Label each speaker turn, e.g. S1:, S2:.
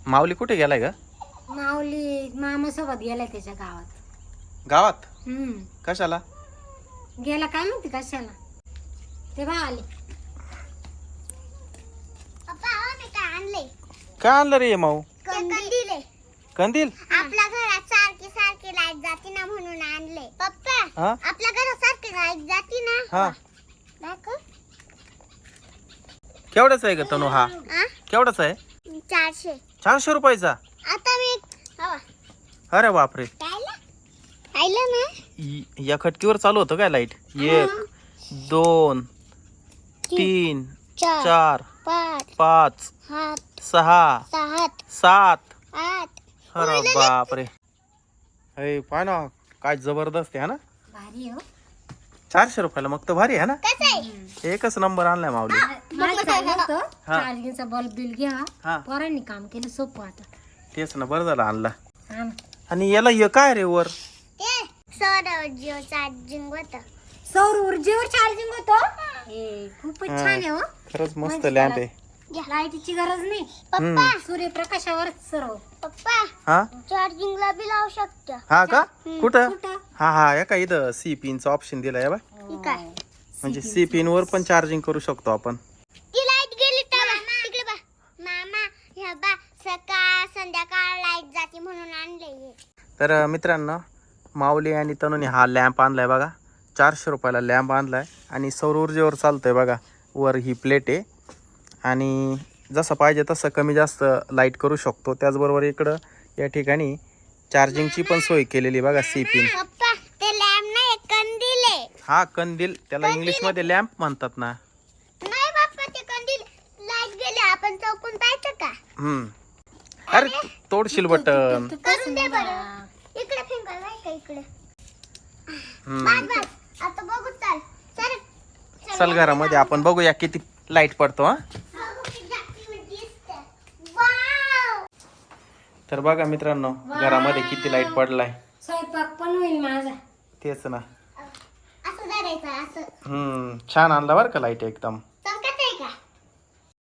S1: माऊली कुठे गेलाय ग?
S2: माऊली मामा सोबत गेलाय त्याच्या गावात.
S1: गावात?
S2: हम्म.
S1: कशाला?
S2: गेला काय माहिती कशाला. ते बा आले.
S1: काय आणलं रे माऊ?
S3: कंदील आहे.
S1: कंदील?
S3: आपल्या घरात सारखी सारखी लाईट जाते ना म्हणून आणले. पप्पा
S1: हा
S3: आपल्या घरात सारखी लाईट जाते ना.
S1: हा.
S3: दाखव.
S1: केवढ्याचा आहे ग तनू हा?
S3: आ?
S1: केवढ्याचा आहे?
S3: 400.
S1: 400 रुपयाचा?
S3: आता मी हवा
S1: अरे बापरे.
S3: पाहिलं ना.
S1: या खटकीवर चालू होतं काय लाईट? 1 2 3 4
S3: 5
S1: 5
S3: 7
S1: 6
S3: 7
S1: 7.
S3: 8.
S1: अरे बापरे. अरे पाय ना काय जबरदस्त आहे ना.
S2: भारी हो.
S1: 400 रुपयाला मग तर भारी आहे ना.
S3: कसं आहे?
S1: एकच नंबर आणलाय माऊली.
S2: मला चाललं होतं
S1: हा.
S2: चार्जिंगचा बल्ब बिल घ्या.
S1: हा
S2: पोरांनी काम केलं सोपं आता.
S1: तेच ना, बरं झालं आणला.
S2: हा ना.
S1: आणि याला हे काय रे वर?
S3: ते सौर जिओ चार्जिंग होतं.
S2: सौर ऊर्जेवर चार्जिंग होतं. हे खूपच छान आहे हो.
S1: खरंच मस्त लॅम्प आहे.
S2: लाईटीची गरज नाही.
S3: पप्पा
S2: सूर्यप्रकाशावरच सर्व.
S3: पप्पा
S1: हा
S3: चार्जिंगला बी लावू शकतो.
S1: हा का? कुठं?
S2: कुठं?
S1: हा हा या का इथं सी पिनचं ऑप्शन दिलंय बा.
S3: ठीक आहे.
S1: म्हणजे सी पिन वर पण चार्जिंग करू शकतो आपण.
S3: ती लाईट गेली तर तिकडे बा. मामा ह्या बा सकाळ संध्याकाळ लाईट जाते म्हणून आणले हे.
S1: तर मित्रांनो, माऊली आणि तनुने हा लॅम्प आणलाय बघा. 400 रुपयाला लॅम्प आणलाय आणि सौर ऊर्जेवर चालतोय बघा. वर ही प्लेट आहे आणि जसं पाहिजे तसं कमी जास्त लाईट करू शकतो. त्याचबरोबर इकडं या ठिकाणी चार्जिंगची पण सोय केलेली बघा. C pin.
S3: पप्पा ते लॅम्प नाही कंदील आहे.
S1: हा कंदील, त्याला इंग्लिशमध्ये लॅम्प म्हणतात ना.
S3: नाही बाप्पा ते कंदील लाईट गेले आपण चौकून पाहायचं का?
S1: अरे तोडशील बटन.
S3: करून दे बरं. इकडे फिंगर नाही का इकडे. बस बस आता बघू चल. चल
S1: चल घरामध्ये आपण बघूया किती लाईट पडतो. हा
S3: वाव.
S1: तर बघा मित्रांनो, घरामध्ये किती लाईट पडलाय.
S2: स्वयंपाक पण होईल माझा.
S1: तेच ना.
S3: असं धरायचं असं.
S1: छान आणला बरं का लाईट एकदम.